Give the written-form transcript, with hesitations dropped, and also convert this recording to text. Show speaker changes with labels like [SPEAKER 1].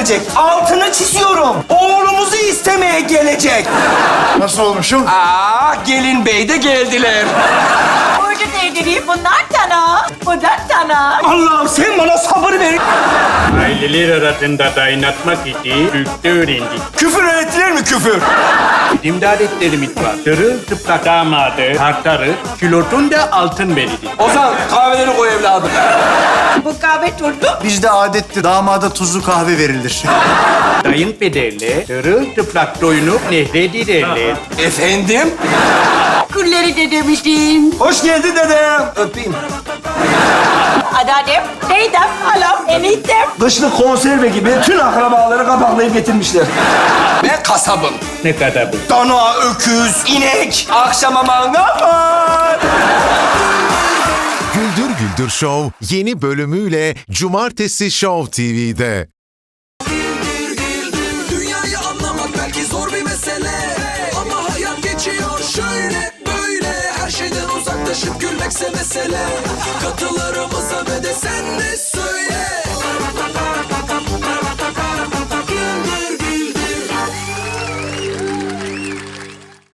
[SPEAKER 1] gelecek. Altını çiziyorum. Oğlumuzu istemeye gelecek.
[SPEAKER 2] Nasıl olmuşum?
[SPEAKER 1] Gelin bey de geldiler.
[SPEAKER 3] Burada evliliği bunlar sana. Bunlar sana.
[SPEAKER 1] Allah'ım sen bana sabır ver.
[SPEAKER 4] Aileler arasında dayanatmak için Türkçe öğrendik.
[SPEAKER 1] Küfür öğrettiler mi küfür?
[SPEAKER 4] Bizim de adetlerimiz var. Sırıltıplak damadı tartarız, kilotun da altın verilir.
[SPEAKER 1] Ozan kahveleri koy evladım.
[SPEAKER 3] Bu kahve turdu.
[SPEAKER 2] Bizde adettir. Damada tuzlu kahve verilir.
[SPEAKER 4] Kayınpederle sırıltıplak doyunup nehre girerler.
[SPEAKER 1] Efendim?
[SPEAKER 3] Külleri de demiştim.
[SPEAKER 1] Hoş geldin dedem. Öpeyim.
[SPEAKER 3] Anneannem, teyzem, halam, eniştem.
[SPEAKER 1] Kışlık konserve gibi tüm akrabaları kapaklayıp getirmişler. Ben kasabım.
[SPEAKER 4] Ne kadar bu?
[SPEAKER 1] Dana, öküz, inek. Akşama mangal var.
[SPEAKER 5] Güldür Güldür Show yeni bölümüyle Cumartesi Show TV'de.
[SPEAKER 6] Dünyayı anlamak belki zor bir mesele, ama hayat geçiyor şöyle böyle. Her şeyden uzaklaşıp gülmekse mesele. Katılarımıza ve de sen de